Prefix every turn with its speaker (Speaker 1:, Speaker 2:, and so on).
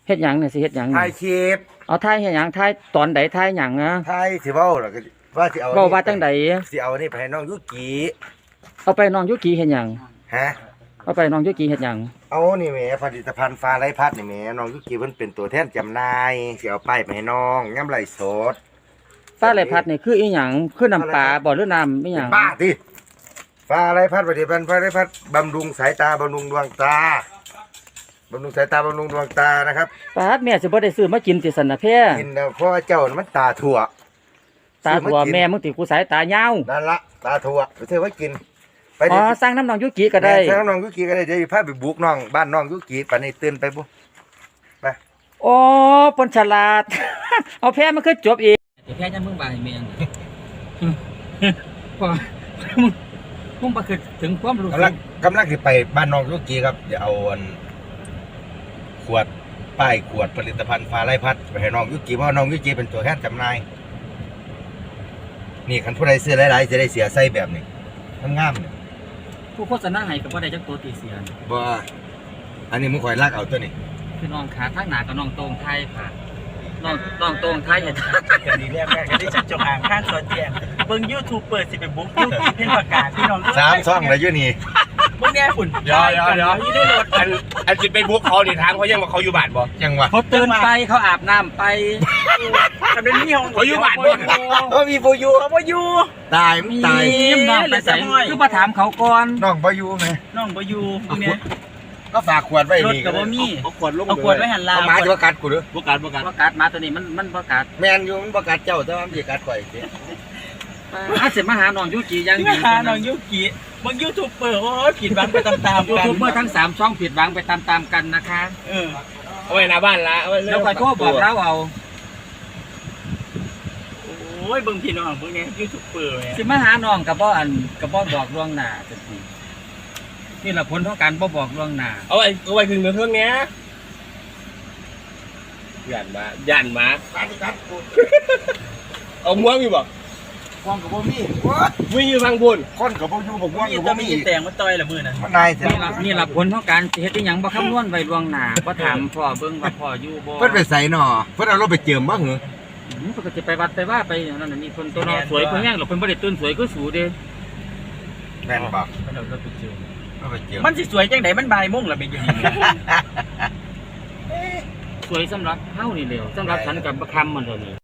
Speaker 1: เฮ็ดหยังเนี่ยสิเฮ็ดหยัง
Speaker 2: ถ่ายคลิป
Speaker 1: เอาถ่ายเฮ็ดหยังถ่ายตอนใดถ่ายหยังนะ
Speaker 2: ถ่ายสิเว้าแล้วก็ว่าสิเอา
Speaker 1: เว้าว่าจังใด
Speaker 2: สิเอานี่ไปให้น้องยุกิ
Speaker 1: เอาไปน้องยุกิเฮ็ดหยัง
Speaker 2: ฮะ
Speaker 1: เอาไปน้องยุกิเฮ็ดหยัง
Speaker 2: เอานี่แหมผลิตภัณฑ์ฟ้าไร้พัดนี่แหมน้องยุกิเพิ่นเป็นตัวแทนจำหน่ายสิเอาไปให้น้องย่ำไรสด
Speaker 1: ฟ้าไหลพัดนี่คืออีหยังคือน้ำปลาบ่หรือน้ำอีหยัง
Speaker 2: บ้าติฟ้าไร้พัดผลิตภัณฑ์ฟ้าไร้พัดบำรุงสายตาบำรุงดวงตาบำรุงสายตาบำรุงดวงตานะครับ
Speaker 1: ปาดแม่สิบ่ได้ซื้อมากินติสันน่ะแพ้
Speaker 2: กินแล้วเพราะว่าเจ้าน่ะมันตาถั่ว
Speaker 1: ตาถั่วแม่มึงติกูสายตายาว
Speaker 2: นั่นละตาถั่วไปเธอไว้กินไป
Speaker 1: อ๋
Speaker 2: ดิ
Speaker 1: อสร้างน้ำน้องยุกิก็ได้
Speaker 2: แม่น้องยุกิก็ได้เดี๋ยวพาไปบุกน้องบ้านน้องยุกิปานนี้ตื่นไปบุไป
Speaker 1: โอ้ปนฉลาด เอาแพ้มันคือจบอีกแพ้ยังมึงบ่ายแม่งพอมึงบ่คือถึงความรู้สึก
Speaker 2: กำลังสิไปบ้านน้องยุกิครับเดี๋ยวเอาอันขวดป้ายขวดผลิตภัณฑ์ฟ้าไร้พัดไปให้น้องยุกิเพราะน้องยุกิเป็นตัวแทนจำหน่ายนี่คันผู้ใดซื้อหลายๆจะได้เสียไส้แบบนี้งามๆเนี่ย
Speaker 1: ผู้โฆษณาให้ก็บ่ได้จักตัวตีเสียน
Speaker 2: บ่อันนี้มึงคอยลากเอาตัวนี้
Speaker 1: คือน้องขาทางหน้ากับน้องโตงไทยค่ะน้องโตงไทยเฮ็ด
Speaker 3: กันดีแรกกันที่จะจงอ่างข้างซอยแจงเบิ่ง YouTube เปิดสิไปบุ๊กยูกิเพ่นประกาศพี่น้อง
Speaker 2: 3 ช่องแล้วอยู่นี่
Speaker 3: เบิ่งแน่ฝุ่น
Speaker 4: เดี๋ยวอยู่ในรถอันสิไปบุกเขาดิถามเขายังว่าเขาอยู่บ้านบ่
Speaker 2: จังหวะ
Speaker 1: เขาตื่นไปเขาอาบน้ำไป
Speaker 3: ทำเป็นนี่ของ
Speaker 4: เขาอยู่บ้านบ่
Speaker 2: มีผู้อยู่
Speaker 3: เขาบ่อยู่
Speaker 2: ตายมึงตาย
Speaker 1: น้องไปใส่คือมาถามเขาก่อน
Speaker 2: น้องบ่อยู่ไหม
Speaker 3: น้องบ่อยู่พวกเนี้ย
Speaker 2: ก็ฝากขวดไว้
Speaker 3: รถ
Speaker 2: นี่
Speaker 3: ก็บ่มี
Speaker 4: เอาขวดลง
Speaker 3: เอาขวดไว้หันลา
Speaker 2: เอาหมาจะมากัดกูหรือ
Speaker 4: บ่การบ่การ
Speaker 1: ประกาศมาตัวนี้มันประกาศ
Speaker 2: แมนอยู่มันประกัดเจ้าแต่ว่ามันสิกัดข่อยสิ
Speaker 1: อาเสร็จมาหาน้องยุกิยัง
Speaker 3: ที่มาหาน้องยูกิเบิ่ง YouTube เปิดโอ้ยผิดหวังไปตามๆ
Speaker 1: ยู
Speaker 3: กัน
Speaker 1: ทูบเบอร์ทั้ง3ช่องผิดหวังไปตามๆกันนะคะ
Speaker 3: เออ
Speaker 4: เอาไว้หน้าบ้านละเอาไว้
Speaker 1: แล้วคอยโทรบอกเราเอา
Speaker 3: โอ้ยเบิ่งพี่น้องพวกเนี้ย YouTube เปิด
Speaker 1: สิมาหาน้องกับบ่บอกล่วงหน้าจังซี่นี่ล่ะผลของการบ่บอกล่วงหน้า
Speaker 4: เอาไว้ถึงเครื่องเนี้ยย่านมา
Speaker 2: กัดกู
Speaker 4: เอาม้วงอยู่บ่
Speaker 2: ควงกับบ่มี
Speaker 4: วิ่งอยู่ทางบน
Speaker 2: คนกับบ่อยู่บ่ควง
Speaker 3: มี
Speaker 2: กับ
Speaker 3: ต้
Speaker 2: บ่
Speaker 3: อง
Speaker 2: มี
Speaker 3: มีแต่งมาต่อยละมื้อน่ะ
Speaker 2: มันนายแท้
Speaker 1: นี่ล่ะผลของการสิเฮ็ดอีหยังบ่คำนวณไว้ล่วงหน้าบ่ถามพ่อเบิ่งว่าพ่ออยู่บ่
Speaker 2: เพิ่นไปใส่หนอเพิ่นเอารถไปเจิมบ่เหรอ
Speaker 1: เพิ่นก็สิไปวัดไปว่าไปนั่นน่ะนี่เพิ่นตัวน้อสวยเพิ่นแฮงหรอกเพิ่นบ่ได้ตื่นสวยคือสูเด้
Speaker 2: แม่นบ่
Speaker 1: เพิ่นเอารถไปเจิม
Speaker 2: เอาไปเจิม
Speaker 3: มันสิสวยจังได๋มันบ่ายโมงละเป็นอยู่นี่
Speaker 1: สวยสำหรับเฮานี่แหล้วสำหรับฉันกับบ่คำมันเท่านี้